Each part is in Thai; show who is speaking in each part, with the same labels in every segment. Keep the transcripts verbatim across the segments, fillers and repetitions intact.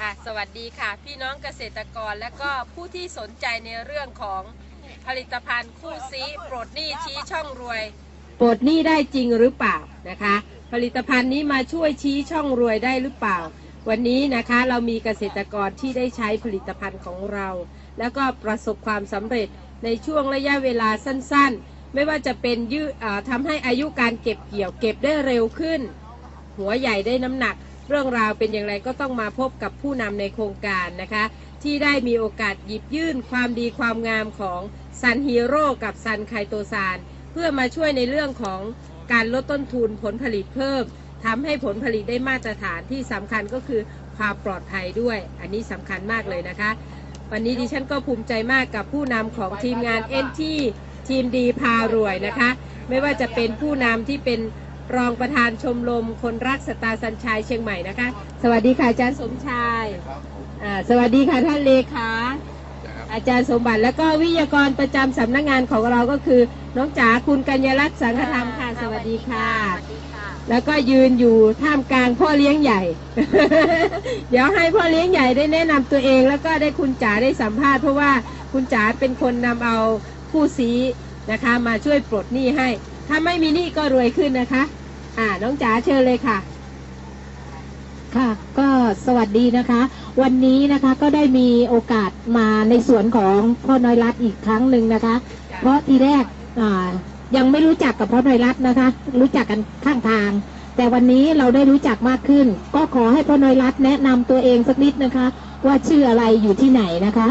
Speaker 1: ค่ะสวัสดีค่ะพี่น้องเกษตรกรและก็ผู้ที่สนใจในเรื่องของผลิตภัณฑ์คู่ซีปลดหนี้ชี้ช่องรวยปลดหนี้ได้จริงหรือเปล่านะคะผลิตภัณฑ์นี้มาช่วยชี้ช่องรวยได้หรือเปล่าวันนี้นะคะเรามีเกษตรกรที่ได้ใช้ผลิตภัณฑ์ของเราแล้วก็ประสบความสำเร็จในช่วงระยะเวลาสั้นๆไม่ว่าจะเป็นยืดทำให้อายุการเก็บเกี่ยวเก็บได้เร็วขึ้นหัวใหญ่ได้น้ำหนักเรื่องราวเป็นอย่างไรก็ต้องมาพบกับผู้นำในโครงการนะคะที่ได้มีโอกาสหยิบยื่นความดีความงามของซันฮีโร่กับซันไคโตซานเพื่อมาช่วยในเรื่องของการลดต้นทุนผลผลิตเพิ่มทำให้ผลผลิตได้มาตรฐานที่สำคัญก็คือความปลอดภัยด้วยอันนี้สำคัญมากเลยนะคะวันนี้ดิฉันก็ภูมิใจมากกับผู้นำของทีมงานเอ็นทีทีมดีพารวยนะคะไม่ว่าจะเป็นผู้นำที่เป็นรองประธานชมรมคนรักสตาร์สัญชัยเชียงใหม่นะคะสวัสดีค่ะอาจารย์สมชายอ่าสวัสดีค่ะท่านเลขาอาจารย์สมบัติแล้วก็วิทยากรประจำสำนักงานของเราก็คือน้องจ๋าคุณกัญญารัตน์สังฆธรรมค่ะสวัสดีค่ะแล้วก็ยืนอยู่ท่ามกลางพ่อเลี้ยงใหญ่ เดี๋ยวให้พ่อเลี้ยงใหญ่ได้แนะนำตัวเองแล้วก็ได้คุณจ๋าได้สัมภาษณ์เพราะว่าคุณจ๋าเป็นคนนำเอาผู้ซีนะคะมาช่วยปลดหนี้ให้ถ้าไม่มีหนี้ก็รวยขึ้นนะคะอ่าน้องจ๋าเชิญเลยค่ะ
Speaker 2: ค่ะก็สวัสดีนะคะวันนี้นะคะก็ได้มีโอกาสมาในสวนของพ่อน้อยรัตน์อีกครั้งหนึ่งนะคะเพราะทีแรกอ่ายังไม่รู้จักกับพ่อน้อยรัตน์นะคะรู้จักกันข้างทางแต่วันนี้เราได้รู้จักมากขึ้นก็ขอให้พ่อน้อยรัตน์แนะนำตัวเองสักนิดนะคะว่าชื่ออะไรอยู่ที่ไหนนะคะ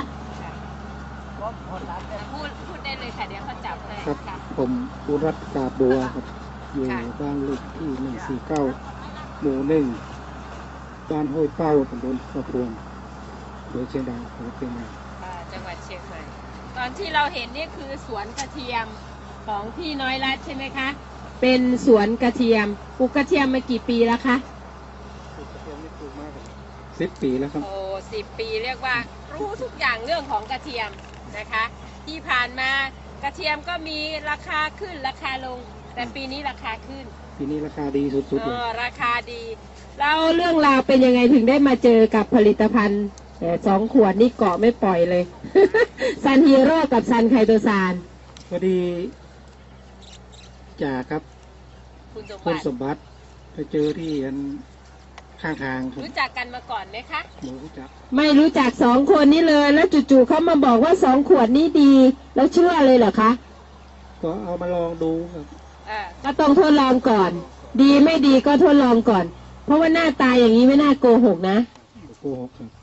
Speaker 1: พูดพูดได้เลยค่ะเดี๋ยวเขาจับให้
Speaker 3: ครับผมอุรัตน์กาบัวครับอยู่บ้านเลขที่หนึ่งสี่เก้าหมู่หนึ่งบ้านห้วยเป้าตำบลสะพวงอำเภอเชียงดาวจังหวัดเชียงใหม่
Speaker 1: จังหวัดเชียงใหม่ตอนที่เราเห็นนี่คือสวนกระเทียมของพี่น้อยรัตน์ใช่ไหมคะเป็นสวนกระเทียมปลูกกระเทียมมากี่ปีแล้วคะ
Speaker 3: ปลูกกระเทียมนี่ปลูกมาสิบปีแล้วครับ
Speaker 1: โอ้สิบปีเรียกว่ารู้ทุกอย่างเรื่องของกระเทียมนะคะที่ผ่านมากระเทียมก็มีราคาขึ้นราคาลงแต่ปีนี้ราคาขึ้น
Speaker 3: ปีนี้ราคาดีสุดๆเลย
Speaker 1: ราคาดีแล้วเรื่องราวเป็นยังไงถึงได้มาเจอกับผลิตภัณฑ์สองขวดนี่เกาะไม่ปล่อยเลย ซันฮีโร่กับซันไคโตซาน
Speaker 3: พอดีจ่าครับคุณสมบัติไปเจอที่อันข้างทาง
Speaker 1: รู้จักกันมาก่อนไหมคะ
Speaker 3: ไม่รู้จัก
Speaker 1: ไม่รู้จักสองคนนี้เลยแล้วจู่ๆเขามาบอกว่าสองขวดนี้ดีแล้วเชื่อเลยเหรอคะ
Speaker 3: ก็เอามาลองดูครับ
Speaker 1: ก็ต้องทดลองก่อนดีไม่ดีก็ทดลองก่อนเพราะว่าหน้าตาอย่างนี้ไม่น่าโกหกนะ
Speaker 3: โกหกครับ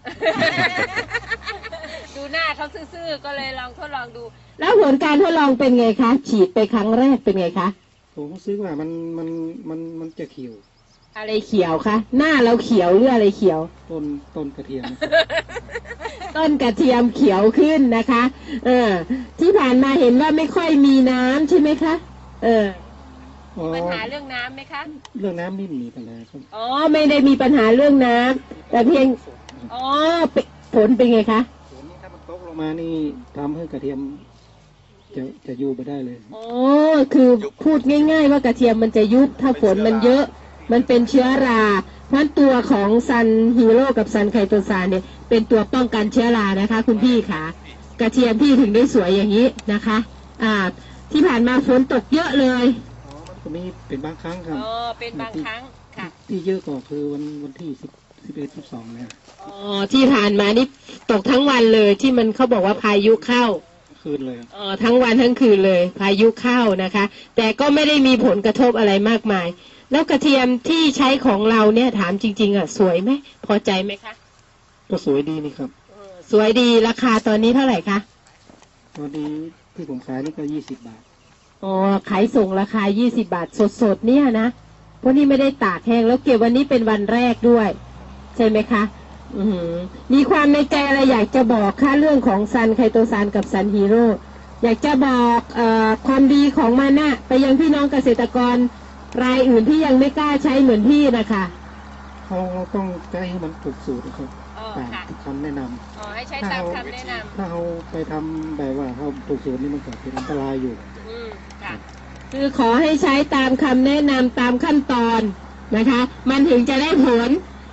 Speaker 1: ดูหน้าเขาซื่อๆก็เลยลองทดลองดูแล้วผลการทดลองเป็นไงคะฉีดไปครั้งแรกเป็นไงคะ
Speaker 3: ผมซื้อว่ามันมันมันมันจะเขียว
Speaker 1: อะไรเขียวคะหน้าเราเขียวหรืออะไรเขียว
Speaker 3: ต้นต้นกระเทียม
Speaker 1: ต้นกระเทียมเขียวขึ้นนะคะเออที่ผ่านมาเห็นว่าไม่ค่อยมีน้ำใช่ไหมคะเออปัญหาเรื่องน้ำไหมคะ
Speaker 3: เรื่องน้ำไม่มีปัญหาครับ
Speaker 1: อ๋อไม่ได้มีปัญหาเรื่องน้ำแต่เพียงอ๋อผลเป็นไงคะ
Speaker 3: ผลนี้ถ้ามันตกลงมานี่ทำให้กระเทียมจะจะยุบไปได้เลย
Speaker 1: อ๋อคือพูดง่ายๆว่ากระเทียมมันจะยุบถ้าฝนมันเยอะมันเป็นเชื้อราเพราะตัวของซันฮีโร่กับซันไคโตซานเนี่ยเป็นตัวป้องกันเชื้อรานะคะคุณพี่ค่ะกระเทียมพี่ถึงได้สวยอย่างนี้นะคะอ่าที่ผ่านมาฝนตกเยอะเลย
Speaker 3: ก็มีเป็นบางครั้งครับ
Speaker 1: อ๋อเป็นบางครั้งค่ะ
Speaker 3: ที่เยอะก็คือวันวันที่สิบสิบเอ็ดสิบสองเนี่ย
Speaker 1: อ๋อที่ผ่านมานี่ตกทั้งวันเลยที่มันเขาบอกว่าพายุเข้า
Speaker 3: คืนเลย
Speaker 1: อ๋อทั้งวันทั้งคืนเลยพายุเข้านะคะแต่ก็ไม่ได้มีผลกระทบอะไรมากมายแล้วกระเทียมที่ใช้ของเราเนี่ยถามจริงๆอ่ะสวยไหมพอใจไหมคะ
Speaker 3: ก็สวยดีนี่ครับ
Speaker 1: สวยดีราคาตอนนี้เท่าไหร่คะ
Speaker 3: ตอนนี้ที่ผมขายนี่ก็ยี่สิบบาท
Speaker 1: อ๋อขายส่งราคายี่สิบบาทสดๆเนี่ยนะเพราะนี่ไม่ได้ตากแห้งแล้วเก็บวันนี้เป็นวันแรกด้วยใช่ไหมคะอือมีความในใจอะไรอยากจะบอกค่าเรื่องของซันไคโตซานกับซันฮีโร่อยากจะบอกเอ่อความดีของมันนะไปยังพี่น้องเกษตรกรรายอื่นที่ยังไม่กล้าใช้เหมือนพี่นะคะ
Speaker 3: เราเราต้องใช้ให้มันถูกสูตรนะครับตามคำแนะน
Speaker 1: ำอ๋อให้ใช้ตามคำแนะนำ
Speaker 3: ถ้าเราไปทำแบบว่าเขาถูกสูตรนี่มันเกิดเป็นอันตรายอยู่
Speaker 1: อืมค่ะคือขอให้ใช้ตามคำแนะนำตามขั้นตอนนะคะมันถึงจะได้ผล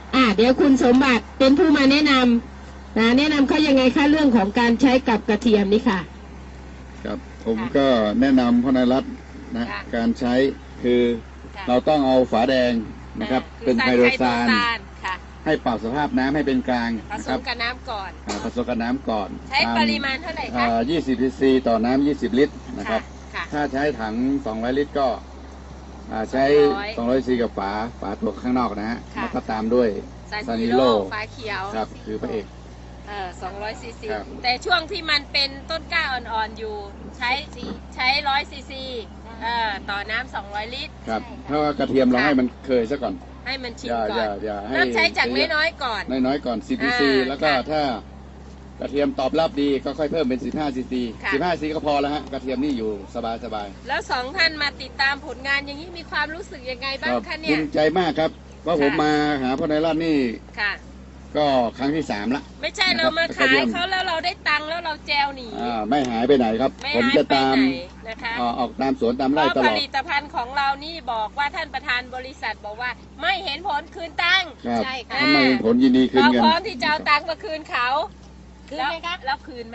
Speaker 1: อ่าเดี๋ยวคุณสมบัติเป็นผู้มาแนะนำนะแนะนำเขายังไงคะเรื่องของการใช้กับกระเทียมนี่ค่ะ
Speaker 4: ครับผมก็แนะนำพ่อนายรัตน์นะการใช้คือเราต้องเอาฝาแดงนะครับเป็นไฮโดรซานให้ปรับสภาพน้ำให้เป็นกลาง
Speaker 1: ผสมกับน้ำก่อน
Speaker 4: ผสมกับน้ำก่อน
Speaker 1: ใช้ปริมาณเท่าไหร่คะ
Speaker 4: ยี่สิบซีซีต่อน้ำยี่สิบลิตรนะครับถ้าใช้ถังสองร้อยลิตรก็ใช้สองร้อยซีกับฝาฝาตัวข้างนอกนะฮะแล้วก็ตามด้วย
Speaker 1: ซานิโลฝาเขียว
Speaker 4: ครับคือพระเอก
Speaker 1: เออสองร้อยซีซีแต่ช่วงที่มันเป็นต้นกล้าอ่อนๆอยู่ใช้ใช้ร้อยซีซีเอ่อต่อน้ำสองร้อยลิตร
Speaker 4: ครับถ้ากระเทียมเราให้มันเคยซะก่อน
Speaker 1: ให้มันชิมก่อนเริ่มใช้จากน้อยๆก่อน
Speaker 4: น้อยๆก่อนสิบซีซีแล้วก็ถ้ากระเทียมตอบรับดีก็ค่อยเพิ่มเป็นสิบห้าซีซีสิบห้าซีก็พอแล้วฮะกระเทียมนี่อยู่สบายๆ
Speaker 1: แล้วสองท่านมาติดตามผลงานอย่างนี้มีความรู้สึกยังไงบ้างคะเนี่ย
Speaker 4: ภูมิใจมากครับว่าผมมาหาพ่อนายรัตน์นี่
Speaker 1: ค่ะ
Speaker 4: ก็ครั้งที่สามละ
Speaker 1: ไม่ใช่เรามาขายเขาแล้วเราได้ตังค์แล้วเราแจวหนี
Speaker 4: อ่าไม่หายไปไหนครับผมจะตาม
Speaker 1: นะคะ
Speaker 4: ออกตามสวนตามไร่ตลอด
Speaker 1: ผลิตภัณฑ์ของเรานี่บอกว่าท่านประธานบริษัทบอกว่าไม่เห็นผลคืนตังค์
Speaker 4: ใช่ค่ะไม่เห็นผลยินดีคืนเงิน
Speaker 1: เราพร้อมที่จะเอาตังค์มาคืนเขาคืนไหมคะแล้วคืนไหม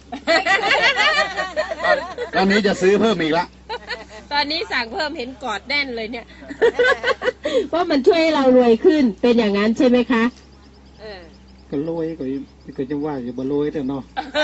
Speaker 4: ตอนนี้จะซื้อเพิ่มอีกละ
Speaker 1: ตอนนี้สั่งเพิ่มเห็นกอดแน่นเลยเนี่ย
Speaker 2: ว่ามันช่วยให้เรารวยขึ้นเป็นอย่างนั้นใช่ไหมคะ
Speaker 3: ก็รวยก็ก็จะว่าอยู่บ่รวยแต่เนาะ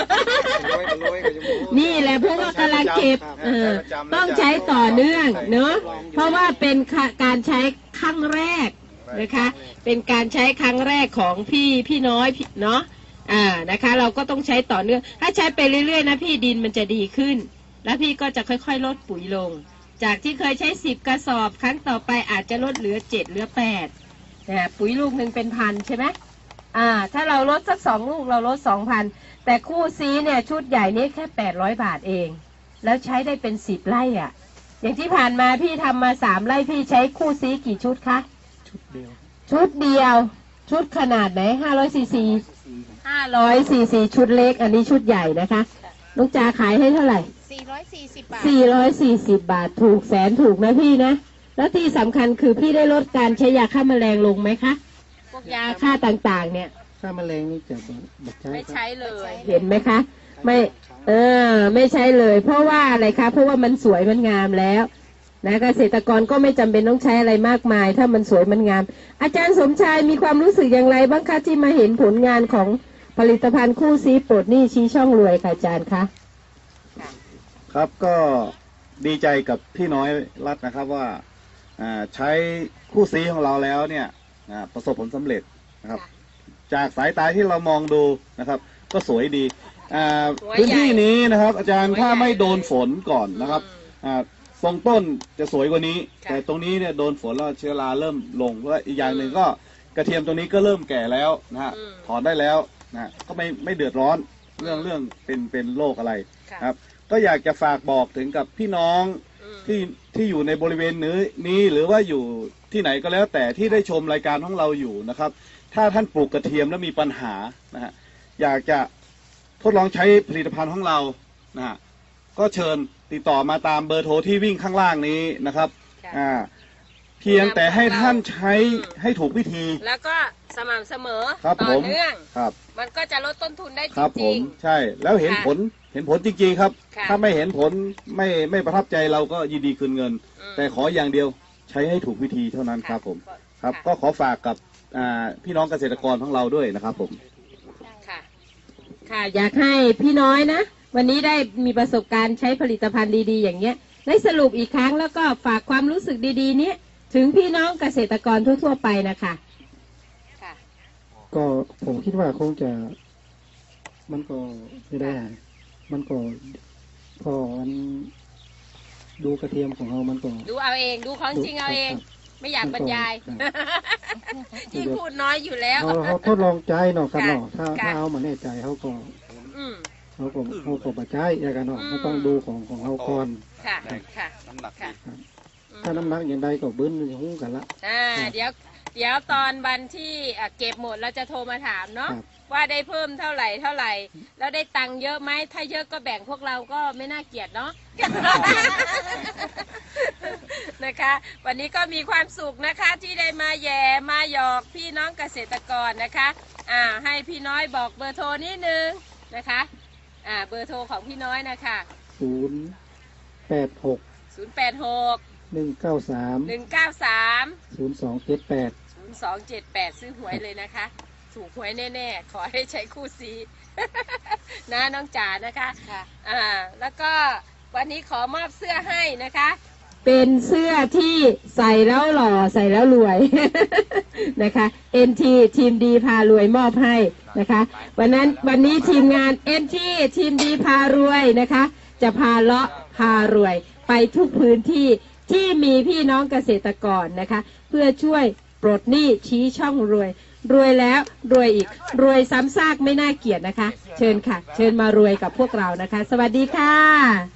Speaker 2: นี่แหละเพราะว่ากำลังเก็บต้องใช้ต่อเนื่องเนาะเพราะว่าเป็นการใช้ครั้งแรกนะคะเป็นการใช้ครั้งแรกของพี่พี่น้อยเนาะอ่านะคะเราก็ต้องใช้ต่อเนื่องถ้าใช้ไปเรื่อยๆนะพี่ดินมันจะดีขึ้นแล้วพี่ก็จะค่อยๆลดปุ๋ยลงจากที่เคยใช้สิบกระสอบครั้งต่อไปอาจจะลดเหลือเจ็ดเหลือแปดนะปุ๋ยลูกหนึ่งเป็นพันใช่ไหมอ่าถ้าเราลดสักสองลูกเราลดสองพันแต่คู่ซีเนี่ยชุดใหญ่นี้แค่แปดร้อยบาทเองแล้วใช้ได้เป็นสิบไร่อ่ะอย่างที่ผ่านมาพี่ทำมาสามไร่พี่ใช้คู่ซีกี่ชุดคะ
Speaker 3: ชุดเดียว
Speaker 2: ชุดเดียวชุดขนาดไหนห้าร้อยซีซีห้าร้อยซีซีชุดเล็กอันนี้ชุดใหญ่นะคะลูกจ๋าขายให้เท่าไหร่
Speaker 1: สี่ร้อยสี่สิบบาท
Speaker 2: สี่ร้อยสี่สิบบาทถูกแสนถูกนะพี่นะแล้วที่สำคัญคือพี่ได้ลดการใช้ยาฆ่าแมลงลงไหมคะพวกยาฆ่าต่างๆเนี่ย
Speaker 3: ฆ่าแมลงนี่จะ
Speaker 1: ไม่ใช้เลย
Speaker 2: เห็นไหมคะไม่เออไม่ใช้เลยเพราะว่าอะไรคะเพราะว่ามันสวยมันงามแล้วนะเกษตรกรก็ไม่จำเป็นต้องใช้อะไรมากมายถ้ามันสวยมันงามอาจารย์สมชายมีความรู้สึกอย่างไรบ้างคะที่มาเห็นผลงานของผลิตภัณฑ์คู่ซีปลดหนี้ชี้ช่องรวยค่ะอาจารย์คะ
Speaker 4: ครับก็ดีใจกับพี่น้อยรัตน์นะครับว่าใช้คู่ซีของเราแล้วเนี่ยประสบผลสำเร็จนะครับจากสายตาที่เรามองดูนะครับก็สวยดีพื้นที่นี้นะครับอาจารย์ถ้าไม่โดนฝนก่อนนะครับทรงต้นจะสวยกว่านี้แต่ตรงนี้เนี่ยโดนฝนแล้วเชื้อราเริ่มลงแล้วอีกอย่างหนึ่งก็กระเทียมตัวนี้ก็เริ่มแก่แล้วนะฮะถอนได้แล้วนะก็ไม่ไม่เดือดร้อนเรื่องเรื่องเป็นเป็นโรคอะไรครับก็อยากจะฝากบอกถึงกับพี่น้องที่ที่อยู่ในบริเวณนี้นี้หรือว่าอยู่ที่ไหนก็แล้วแต่ที่ได้ชมรายการของเราอยู่นะครับถ้าท่านปลูกกระเทียมแล้วมีปัญหานะฮะอยากจะทดลองใช้ผลิตภัณฑ์ของเรานะฮะก็เชิญติดต่อมาตามเบอร์โทรที่วิ่งข้างล่างนี้นะครับอ่าเพียงแต่ให้ท่านใช้ให้ถูกวิธี
Speaker 1: แล้วก็สม่ำเสมอต่อเนื่อง
Speaker 4: ครับ
Speaker 1: มันก็จะลดต้นทุนได้จ
Speaker 4: ริงๆใช่แล้วเห็นผลเห็นผลจริงๆครับถ้าไม่เห็นผลไม่ไม่ประทับใจเราก็ยินดีคืนเงินแต่ขออย่างเดียวใช้ให้ถูกวิธีเท่านั้นครับผมครับก็ขอฝากกับพี่น้องเกษตรกรของเราด้วยนะครับผม
Speaker 1: ค่ะค่ะอยากให้พี่น้อยนะวันนี้ได้มีประสบการณ์ใช้ผลิตภัณฑ์ดีๆอย่างเงี้ยได้สรุปอีกครั้งแล้วก็ฝากความรู้สึกดีๆนี้ถึงพี่น้องเกษตรกรทั่วๆไปนะคะ
Speaker 3: ค่ะก็ผมคิดว่าคงจะมันก็ไม่ได้มันก็พอมันดูกระเทียมของเรามันก็
Speaker 1: ดูเอาเองดูของจริงเอาเองไม่อยากบรรยายยิ่งพูดน้อยอยู่แล้ว
Speaker 3: เขาทดลองใจเนาะกันเนาะถ้าถ้าเอามาแน่ใจเขาก็เขาก็เขาก็ปัจจัยอย่างกันเนาะเขาต้องดูของของเขาก่อน
Speaker 1: ค่ะค่ะน้ำหนัก
Speaker 3: ถ้าน้ำหนักอย่างใดก็บึ้นจะหุ้งกันละ
Speaker 1: อ่าเดี๋ยวเดี๋ยวตอนวันที่เก็บหมดเราจะโทรมาถามเนาะว่าได้เพิ่มเท่าไหร่เท่าไหร่แล้วได้ตังค์เยอะไหมถ้าเยอะก็แบ่งพวกเราก็ไม่น่าเกลียดเนาะนะคะวันนี้ก็มีความสุขนะคะที่ได้มาแย่มาหยอกพี่น้องเกษตรกรนะคะอ่าให้พี่น้อยบอกเบอร์โทรนิดนึงนะคะอ่าเบอร์โทรของพี่น้อยนะคะ
Speaker 3: ศูนย์แปดหก
Speaker 1: ศูนย์ แปด หก
Speaker 3: หนึ่งเก้าสาม
Speaker 1: หนึ่ง เก้า สาม
Speaker 3: ศูนย์สองเจ็ดแปด
Speaker 1: ศูนย์ สอง เจ็ด แปดซื้อหวยเลยนะคะถูกหวยแน่ๆขอให้ใช้คู่ซี นะน้องจ๋านะคะอ่าแล้วก็วันนี้ขอมอบเสื้อให้นะคะ
Speaker 2: เป็นเสื้อที่ใส่แล้วหล่อใส่แล้วรวย นะคะ เอ็น ที ทีมดีพารวยมอบให้นะคะวันนั้นวันนี้ทีมงาน เอ็น ที ทีมดีพารวยนะคะ จะพาเลาะพารวยไปทุกพื้นที่ที่มีพี่น้องเกษตรกรนะคะ เพื่อช่วยปลดหนี้ชี้ช่องรวย รวยแล้วรวยอีกรวยซ้ำซากไม่น่าเกลียดนะคะ เชิญค่ะ เชิญมารวยกับพวกเรานะคะ สวัสดีค่ะ